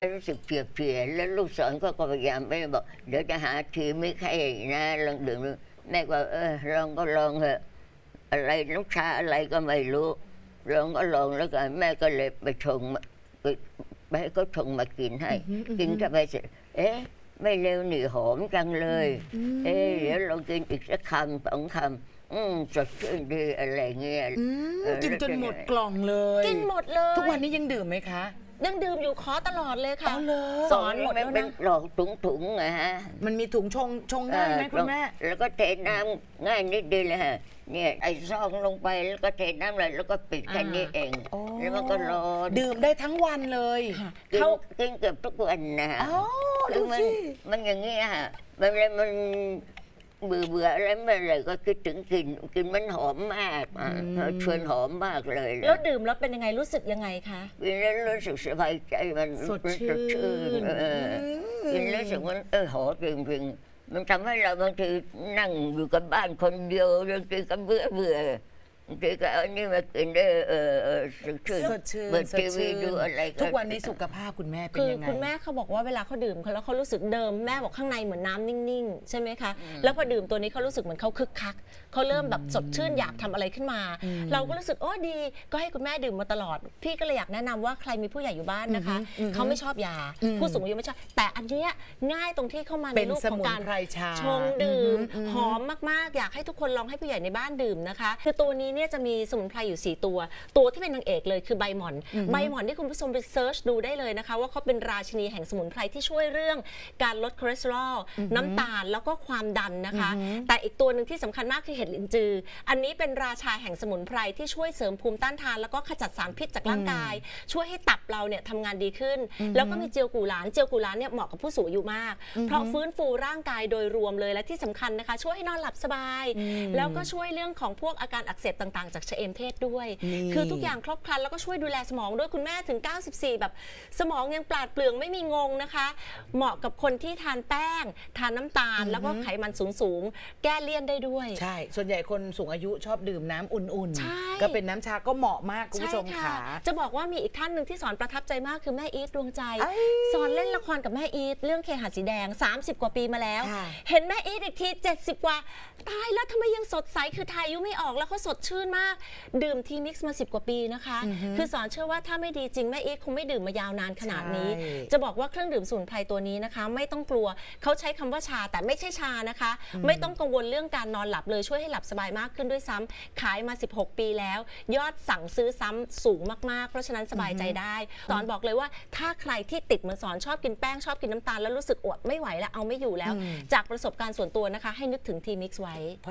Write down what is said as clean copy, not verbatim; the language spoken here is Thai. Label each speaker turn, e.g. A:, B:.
A: รู้สึกเพลียๆแล้วลูกสอนก็พยายามไม่บอกเดี๋ยวจะหาทีไม่ใครนะลองดื่มดูแม่ก็ลองก็ลองเถอะอะไรน้ำชาอะไรก็ไม่รู้ลองก็ลองแล้วกันแม่ก็เลยไปชงไปให้เขาชงมากินให้กินเข้าไปเสร็จไม่เร็วหนีหอมจังเลยเดี๋ยวลองกินอีกสักคำ2 คำสดชื่นดีอะไรเงี้ย
B: กินจนหมดกล่องเลย
C: กินหมดเลย
B: ทุกวันนี้ยังดื่มไหมคะ
C: ยังดื่มอยู่ขอตลอดเลยค่ะ
A: สอนหมดแล้วนะหลอกถุงไงฮะ
B: มันมีถุงชงง่ายไหมคุณแม่
A: แล้วก็เทน้ำง่ายนิดเดียวเลยฮะเนี่ยไอ้ซองลงไปแล้วก็เทน้ำเลยแล้วก็ปิดแค่นี้เองแล้วมันก็รอ
B: ดื่มได้ทั้งวันเลย
A: เขากินเกือบทุกวันนะฮะคือมันอย่างนี้ฮะมันเบื่ออะไรไม่เลยก็คิดถึงกินมันหอมมากชวนหอมมากเลย
C: แล้วดื่มแล้วเป็นยังไงรู้สึกยังไงคะ
A: กินแล้วรู้สึกสบายใจมัน
B: สดชื่น
A: กินแล้วรู้สึกว่าหอมจริงๆมันทำให้เราบางทีนั่งอยู่กับบ้านคนเดียวบางทีก็เบื่อบางทีก็เอานี่มากินได้
B: สดชื่น
A: เปิดทีวีดูอะไร
B: ทุกวันนี้สุขภาพคุณแม่เป็นยังไง
C: คุณแม่เขาบอกว่าเวลาเขาดื่มแล้วเขารู้สึกเดิมแม่บอกข้างในเหมือนน้ำนิ่งๆใช่ไหมคะแล้วพอดื่มตัวนี้เขารู้สึกเหมือนเขาคึกคักเขาเริ่มแบบสดชื่นอยากทำอะไรขึ้นมาเราก็รู้สึกดีก็ให้คุณแม่ดื่มมาตลอดพี่ก็เลยอยากแนะนำว่าใครมีผู้ใหญ่อยู่บ้านนะคะเขาไม่ชอบยาผู้สูงอายุไม่ชอบแต่อันเนี้ยง่ายตรงที่เข้ามาในรูปของการชงดื่มหอมมากๆอยากให้ทุกคนลองให้ผู้ใหญ่ในบ้านดื่มนะคะคือตัวนี้เนี่ยจะมีสมุนไพรอยู่4 ตัวที่เป็นนางเอกเลยคือใบหม่อนที่คุณผู้ชมไปเซิร์ชดูได้เลยนะคะว่าเขาเป็นราชินีแห่งสมุนไพรที่ช่วยเรื่องการลดคอเลสเตอรอลน้ำตาลแล้วก็ความดันนะคะแต่อีกตัวหนึ่งที่สำคัญมากคือเห็ดลินจืออันนี้เป็นราชาแห่งสมุนไพรที่ช่วยเสริมภูมิต้านทานแล้วก็ขจัดสารพิษจากร่างกายช่วยให้ตับเราเนี่ยทำงานดีขึ้นแล้วก็มีเจียวกูหลานเนี่ยเหมาะกับผู้สูงอายุมากเพราะฟื้นฟูร่างกายโดยรวมเลยและที่สำคัญนะคะช่วยให้นอนหลับสบายแล้วก็ช่วยเรื่องของพวกอาการอักเสบต่างๆจากชะเอมเทศด้วยคือทุกอย่างครบครันแล้วก็ช่วยดูแลสมองด้วยคุณแม่ถึง94แบบสมองยังปราดเปรื่องไม่มีงงนะคะเหมาะกับคนที่ทานแป้งทานน้ำตาลแล้วก็ไขมันสูงแก้เลี่ยนได้ด้วย
B: ใช่ส่วนใหญ่คนสูงอายุชอบดื่มน้ำอุ่นๆก็เป็นน้ำชาก็เหมาะมากคุณผู้ชมค่ะ
C: จะบอกว่ามีอีกท่านหนึ่งที่สอนประทับใจมากคือแม่อีทดวงใจสอนเล่นละครกับแม่อีทเรื่องเคหะสีแดง30 กว่าปีมาแล้วเห็นแม่อีทอีกที70 กว่าตายแล้วทำไมยังสดใสคือทายอายุไม่ออกแล้วเขาสดชื่นมากดื่มทีมิกซ์มา10 กว่าปีนะคะคือสอนเชื่อว่าถ้าไม่ดีจริงแม่อีทคงไม่ดื่มมายาวนานขนาดนี้จะบอกว่าเครื่องดื่มสมุนไพรตัวนี้นะคะไม่ต้องกลัวเขาใช้คำว่าชาแต่ไม่ใช่ชานะคะไม่ต้องกังวลเรื่องการนอนหลับเลยช่วยให้หลับสบายมากขึ้นด้วยซ้ำขายมา16 ปีแล้วยอดสั่งซื้อซ้ำสูงมากๆเพราะฉะนั้นสบายใจได้สอนบอกเลยว่าถ้าใครที่ติดเหมือนสอนชอบกินแป้งชอบกินน้ำตาลแล้วรู้สึกอดไม่ไหวแล้วเอาไม่อยู่แล้วจากประสบการณ์ส่วนตัวนะคะให้นึกถึงทีมิกซ์ไว้